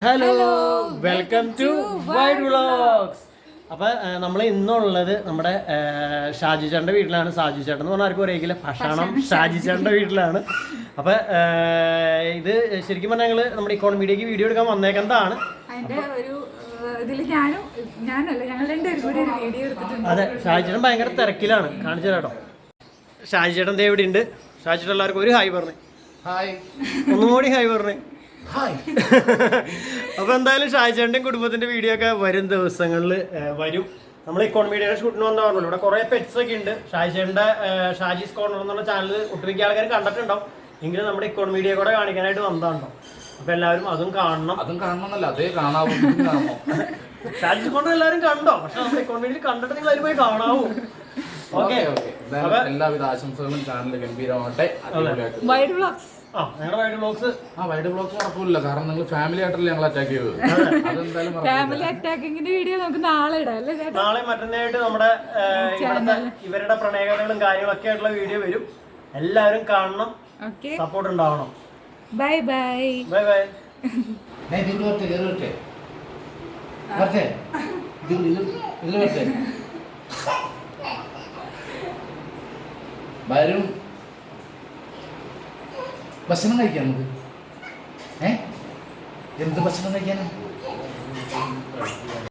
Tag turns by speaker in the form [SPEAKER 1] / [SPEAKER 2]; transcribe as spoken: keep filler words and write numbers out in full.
[SPEAKER 1] Hello welcome to wide vlogs. അപ്പോൾ നമ്മൾ ഇന്നുള്ളത് നമ്മുടെ ഷാജി ചേട്ടൻ്റെ വീട്ടിലാണ്. ഷാജി ചേട്ടൻ എന്ന് പറഞ്ഞാൽ ആർക്കും അറിയില്ല, ഭക്ഷണം ഷാജി ചേട്ടൻ്റെ വീട്ടിലാണ്. അപ്പോൾ ഇത് ശരിക്കും പറഞ്ഞാൽ ഞങ്ങൾ നമ്മുടെ ഇക്കോണമിയിലേക്ക് വീഡിയോ എടുക്കാൻ വന്നേക്കുന്നതാണ്. അതെ, ഷാജി ചേട്ടൻ ഭയങ്കര തിരക്കിലാണ്. കാണിച്ചു തരാട്ടോ. ഷാജി ചേട്ടൻ ദേ ഇവിടെ ഉണ്ട്. ഷാജി ചേട്ടൻ എല്ലാവർക്കും ഒരു ഹായ് പറഞ്ഞു. ഹായ്, ഒന്നും കൂടി ഹായ് പറഞ്ഞു. അപ്പൊ എന്തായാലും ഷാജിച്ചേട്ടൻ്റെയും കുടുംബത്തിന്റെ വീഡിയോ ഒക്കെ വരും ദിവസങ്ങളിൽ വരും. നമ്മൾ ഇക്കോണമിയുടെ ഷൂട്ടിന് വന്ന പറഞ്ഞല്ലോ, ഇവിടെ കുറെ പെറ്റ്സ് ഒക്കെ ഉണ്ട്. ഷാജിച്ചേട്ടൻ്റെ ഷാജീസ് കോർണർ എന്നുള്ള ചാനൽ ഒട്ടുമിക്ക ആൾക്കാർ കണ്ടിട്ടുണ്ടാവും. എങ്കിലും നമ്മുടെ ഇക്കോണമിയുടെ കൂടെ കാണിക്കാനായിട്ട് വന്നതാണോ. അപ്പൊ എല്ലാവരും അതും കാണണം. അതും കാണണമെന്നല്ല, അതേ കാണാവൂ. ഷാജീസ് കോർണർ എല്ലാവരും കണ്ടോ? പക്ഷെ നമ്മുടെ ഇക്കോണമിയിൽ കണ്ടിട്ട് നിങ്ങൾ അതിൽ പോയി കാണാവൂ. ഓക്കെ,
[SPEAKER 2] എല്ലാവിധ ആശംസകളും. ചാനൽ ഗംഭീരമാവട്ടെ.
[SPEAKER 1] വൈഡ് വ്ളോഗ്സ് ആ ഞങ്ങളുടെ വൈഡ് വ്ളോഗ്സ്
[SPEAKER 2] ആ വൈഡ് വ്ളോഗ്സ് കുഴപ്പമില്ല. കാരണം നിങ്ങൾ ഫാമിലി ആയിട്ടല്ലേ ഞങ്ങൾ അറ്റാക്ക് ചെയ്തത്. അതെന്തായാലും
[SPEAKER 3] ഫാമിലി അറ്റാക്കിങ്ങിന്റെ വീഡിയോ നമുക്ക് നാളെ ഇടാം അല്ലേ?
[SPEAKER 1] നാളെ മറ്റന്നായിട്ട് നമ്മുടെ ഇവിടുത്തെ ഇവരുടെ പ്രണയകഥകളും കാര്യങ്ങളൊക്കെ ആയിട്ടുള്ള വീഡിയോ വരും. എല്ലാവരും കാണണം, സപ്പോർട്ട് ഉണ്ടാവണം.
[SPEAKER 3] Bye bye
[SPEAKER 1] bye bye.
[SPEAKER 2] വരും. ഭക്ഷണം കഴിക്കാം നമുക്ക്. ഏ എന്ത് ഭക്ഷണം കഴിക്കാനാ?